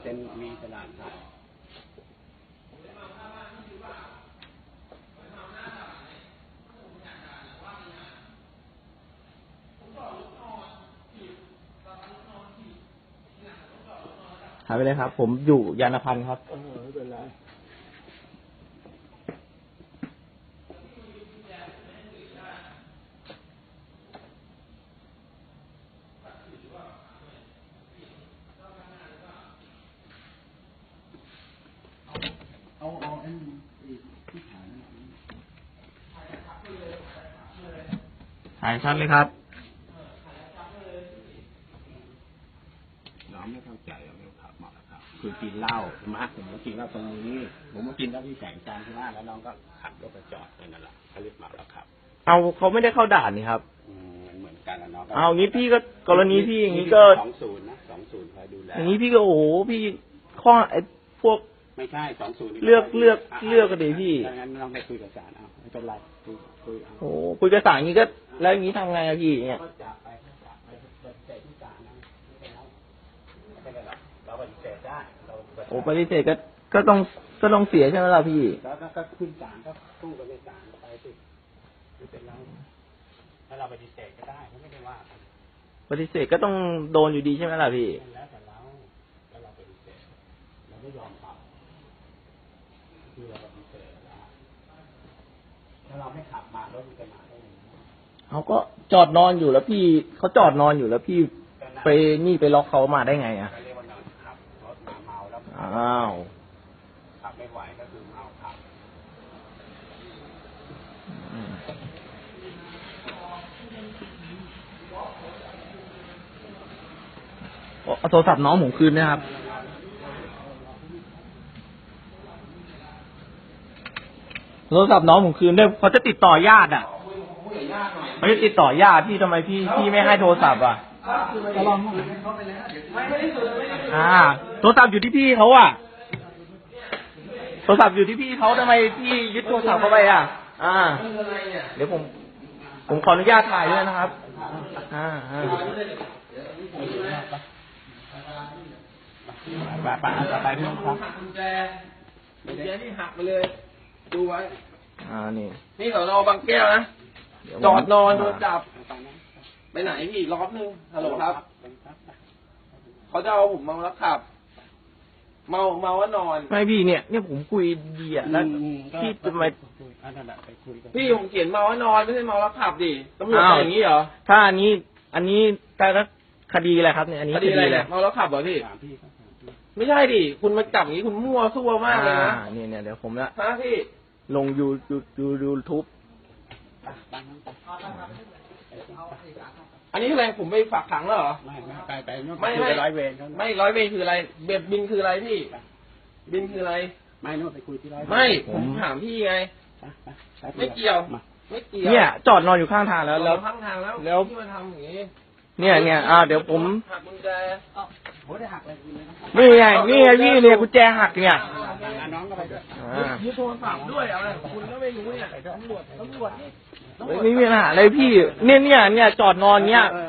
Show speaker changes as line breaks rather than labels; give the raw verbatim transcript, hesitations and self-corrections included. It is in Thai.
เป็นมีตลาดขาย
หายไปเลยครับผมอยู่ยานพันธ์ครับ
ไม่เป็นไรเอาเอาอันที่ถ่าย
ถ่ายชัดเลยครับ
น้องไม่เข้าใจเราไม่ขับมาแล้วครับคือกินเหล้าใช่ไหมผมก็กินเหล้าตรงนี้ผมก็กินเหล้าที่แสงจันทร์ใช่ไหมแล้วน้องก็ขับรถไปจอดนั่นแหละเขาเรียกมาแล้วครับ
เอาเขาไม่ได้เข้าด่านนี่ครับ
เหมือนกันนะน้อง
เอางี้พี่ก็กรณีพี่อย่างนี้ก็
สองศูนย์นะสองศูนย์คอยดูแล
อย่างนี้พี่ก็โอ้โหพี่ข้อไอ้พวก
ไม่ใช่สองศูนย์
เลือกเลือกเลือกกันดิพี่
งั้นน้องไปคุยกับศาลเอาไม่เป็นไรคุยคุย
โอ้คุยกับศาลอย่างนี้ก็แล้วอย่างนี้ทำไงอะพี่เนี่ย
เราปฏิเสธได้
โอ้ปฏิเสธก็ก็ต้องก็ต้องเสียใช่ไหมล่ะพี่
แล้วก็ขึ้นศาลก็สู้กันในศาลไปสิไม่เป็นไรถ้าเราปฏิเสธก็ได้ไม่ได้ว่า
ปฏิเสธก็ต้องโดนอยู่ดีใช่ไหมล่ะพี่
แล้วแต่เราแล้วเราปฏิเสธเราไม่ยอมขับคือเราปฏิเสธแล้วถ้าเราไม่ขับมารถมันจะมาได้ยังไง
เขาก็จอดนอนอยู่แล้วพี่เขาจอดนอนอยู่แล้วพี่ไปนี่ไปล็อกเขามาได้ไงอ่ะอ้าว
ขับไม่ไหวก็คือเมาขับ
เอาโทรศัพท์น้องผมคืนนะครับโทรศัพท์น้องผมคืนด้วยเขาจะติดต่อญาติอ่ะเขาจะติดต่อญาติพี่ทำไมพี่พี่ไม่ให้โทรศัพท์อ่ะอ่าโทรศัพท์อยู่ที่พี่เขาอ่ะโทรศัพท์อยู่ที่พี่เขาทำไมพี่ยึดโทรศัพท์เขาไปอ่ะอ่าเดี๋ยวผมผมขออนุญาตถ่ายด้วยนะครับอ่าอ่า
ไปไปไปพี่ครับกุญแจกุญแจนี่หักไปเลยดูไว้
อ่านี่
นี่สนบางแก้วนะจอดนอนโดนจับไปไหนพี่รอบนึงฮัลโหลครับเขาจะเอาผมเมาแล้วขับเมาเมาว่านอน
ไม่พี่เนี่ยเนี่ยผมคุยดีอ่ะแล้วพี่ทำไม
พี่ผมเขียนเมาว่านอนไม่ใช่เมาแล้วขับดิตำรวจอย่างนี้เหรอ
ถ้าอันนี้อันนี้แต่ละคดีอะไรครับเนี่ยอันนี้
คดีอะไรเมาแล้วขับเหรอพี่ไม่ใช่ดิคุณมาจับอย่างนี้คุณมั่วซั่วมากเลยนะ
เนี่ยเนี่ยเดี๋ยวผมละ
ฮะพี่
ลงยูยูยูยูทูบ
อันนี้อะไรผมไปฝากขังแล้วเหรอไม่ไม่ไปไปไม่ไม่ร้อยเวรไม่ร้อยเวรคืออะไรเบ็ดบินคืออะไรพี่บินคืออะไรไม่นู่นไปคุยที่ร้อยไม่ผมถามพี่ไงไม่เกี่ยวไม่เกี่ยว
เนี่ยจอดนอนอยู่ข้างทางแล้วแล้ว
ข้างทางแล้ว
แล้ว
ที่มาทำอย่างนี้
เนี่ยเนี่ยอ่าเดี๋ยวผม
หักกุญแจโอ้ได้หักอะไร
นี่ไงนี่ไงพี่เนี่ยกุญแจหักเนี่ย
น้องก็ไปด้วยยึดโทรศัพท์ด้วยอะไรคุณก็ไม่รู้เนี่ยตำรวจตำรวจนี่
ไม่มีปัญหาอะไรพี่เนี่ยเนี่ยเนี่ยจอดนอนเนี่ย